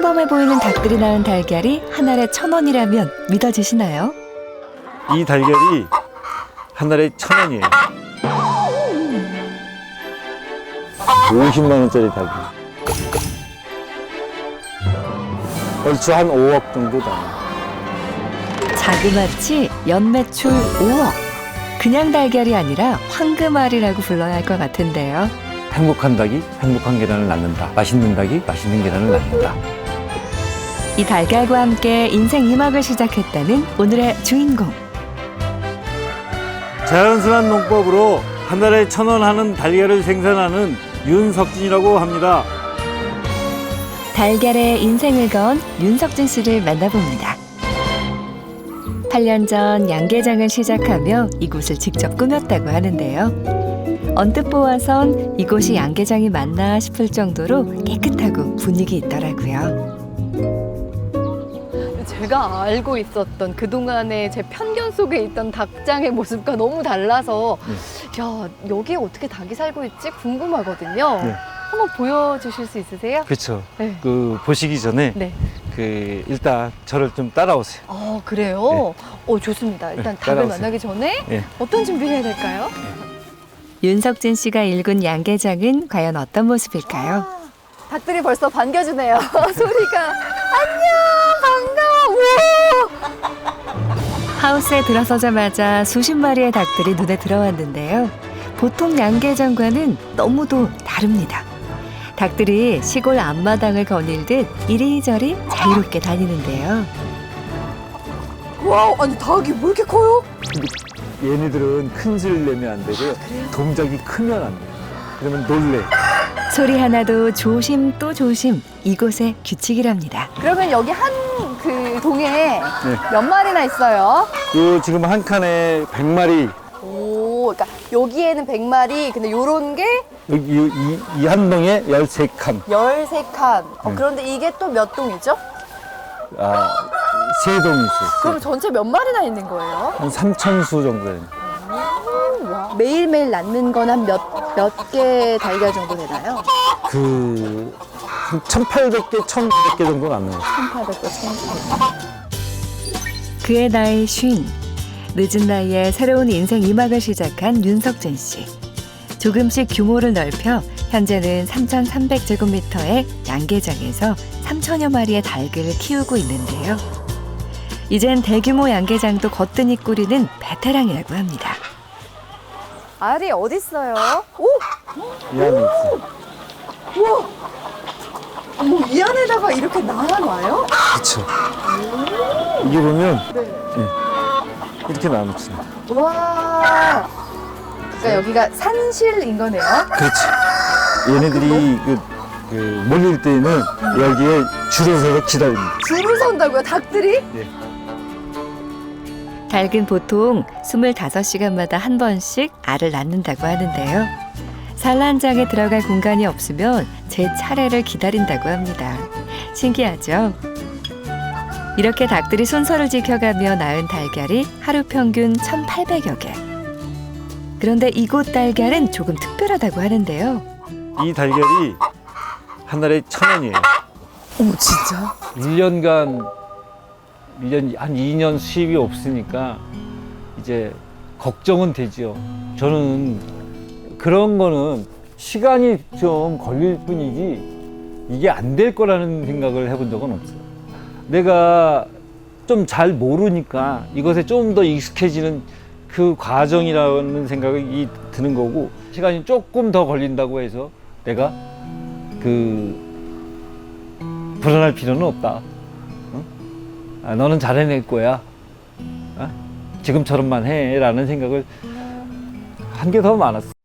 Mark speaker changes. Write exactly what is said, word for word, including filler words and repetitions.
Speaker 1: 평범해 보이는 닭들이 낳은 달걀이 한 알에 천 원이라면 믿어지시나요?
Speaker 2: 이 달걀이 한 알에 천 원이에요. 오십만 원짜리 달걀. 얼추 한 오억 정도 나요.
Speaker 1: 자그마치 연매출 오억. 그냥 달걀이 아니라 황금알이라고 불러야 할 것 같은데요.
Speaker 2: 행복한 닭이 행복한 계란을 낳는다. 맛있는 닭이 맛있는 계란을 낳는다.
Speaker 1: 이 달걀과 함께 인생 이 막을 시작했다는 오늘의 주인공.
Speaker 2: 자연스러운 농법으로 한 달에 천 원 하는 달걀을 생산하는 윤석진이라고 합니다.
Speaker 1: 달걀에 인생을 건 윤석진 씨를 만나봅니다. 팔 년 전 양계장을 시작하며 이곳을 직접 꾸몄다고 하는데요. 언뜻 보아선 이곳이 양계장이 맞나 싶을 정도로 깨끗하고 분위기 있더라고요.
Speaker 3: 제가 알고 있었던 그동안의 제 편견 속에 있던 닭장의 모습과 너무 달라서
Speaker 2: 네.
Speaker 3: 야, 여기에 어떻게 닭이 살고 있지 궁금하거든요.
Speaker 2: 네.
Speaker 3: 한번 보여주실 수 있으세요?
Speaker 2: 그렇죠.
Speaker 3: 네.
Speaker 2: 그 보시기 전에
Speaker 3: 네.
Speaker 2: 그 일단 저를 좀 따라오세요.
Speaker 3: 아, 그래요? 어, 좋습니다. 일단
Speaker 2: 네,
Speaker 3: 닭을
Speaker 2: 따라오세요.
Speaker 3: 만나기 전에
Speaker 2: 네.
Speaker 3: 어떤 준비를 해야 될까요?
Speaker 1: 윤석진 씨가 일군 양계장은 과연 어떤 모습일까요?
Speaker 3: 닭들이 벌써 반겨주네요. 소리가 안녕 반가워. 우와.
Speaker 1: 하우스에 들어서자마자 수십 마리의 닭들이 눈에 들어왔는데요. 보통 양계장과는 너무도 다릅니다. 닭들이 시골 앞마당을 거닐듯 이리저리 자유롭게 다니는데요.
Speaker 3: 와, 아니 닭이 왜 이렇게 커요?
Speaker 2: 얘네들은 큰 소리를 내면 안 되고요. 동작이 크면 안 돼요. 그러면 놀래.
Speaker 1: 소리 하나도 조심 또 조심, 이곳의 규칙이랍니다.
Speaker 3: 그러면 여기 한 그 동에
Speaker 2: 네.
Speaker 3: 몇 마리나 있어요?
Speaker 2: 요 지금 한 칸에 백 마리.
Speaker 3: 오, 그러니까 여기에는 백 마리, 근데 요런 게
Speaker 2: 여기 이 한 동에 열세 칸.
Speaker 3: 열세 칸. 어,
Speaker 2: 네.
Speaker 3: 그런데 이게 또 몇 동이죠?
Speaker 2: 아, 세 동이 있어요.
Speaker 3: 그럼 전체 몇 마리나 있는 거예요?
Speaker 2: 한 삼천 수 정도 되는.
Speaker 3: 와. 매일매일 낳는 건 한 몇, 몇 개 달걀 정도 되나요?
Speaker 2: 그, 한 천팔백 개, 천구백 개 정도 남는 거죠.
Speaker 3: 천팔백 개, 천팔백 개.
Speaker 1: 그의 나이 쉰. 늦은 나이에 새로운 인생 이 막을 시작한 윤석진 씨. 조금씩 규모를 넓혀 현재는 삼천삼백 제곱미터의 양계장에서 삼천여 마리의 닭을 키우고 있는데요. 이젠 대규모 양계장도 거뜬히 꾸리는 베테랑이라고 합니다.
Speaker 3: 알이 어딨어요? 오!
Speaker 2: 이 안에 있어요.
Speaker 3: 우와! 어머, 이 안에다가 이렇게 나눠놔요?
Speaker 2: 그쵸. 이게 보면,
Speaker 3: 네.
Speaker 2: 예, 이렇게 나눠집니다.
Speaker 3: 와. 그러니까 여기가 산실인 거네요.
Speaker 2: 그렇죠. 얘네들이 그, 그 몰릴 때는 여기에 줄을 서서 기다립니다.
Speaker 3: 줄을 선다고요, 닭들이?
Speaker 2: 예.
Speaker 1: 닭은 보통 스물다섯 시간마다 한 번씩 알을 낳는다고 하는데요. 산란장에 들어갈 공간이 없으면 제 차례를 기다린다고 합니다. 신기하죠? 이렇게 닭들이 순서를 지켜가며 낳은 달걀이 하루 평균 천팔백여 개. 그런데 이곳 달걀은 조금 특별하다고 하는데요.
Speaker 2: 이 달걀이 한 달에 천 원이에요.
Speaker 3: 어머, 진짜?
Speaker 2: 일 년간, 일 년, 한 이 년 수입이 없으니까 이제 걱정은 되지요. 저는 그런 거는 시간이 좀 걸릴 뿐이지 이게 안 될 거라는 생각을 해본 적은 없어요. 내가 좀 잘 모르니까 이것에 좀 더 익숙해지는 그 과정이라는 생각이 드는 거고, 시간이 조금 더 걸린다고 해서 내가 그 불안할 필요는 없다. 어? 아, 너는 잘 해낼 거야. 어? 지금처럼만 해 라는 생각을 한 게 더 많았어.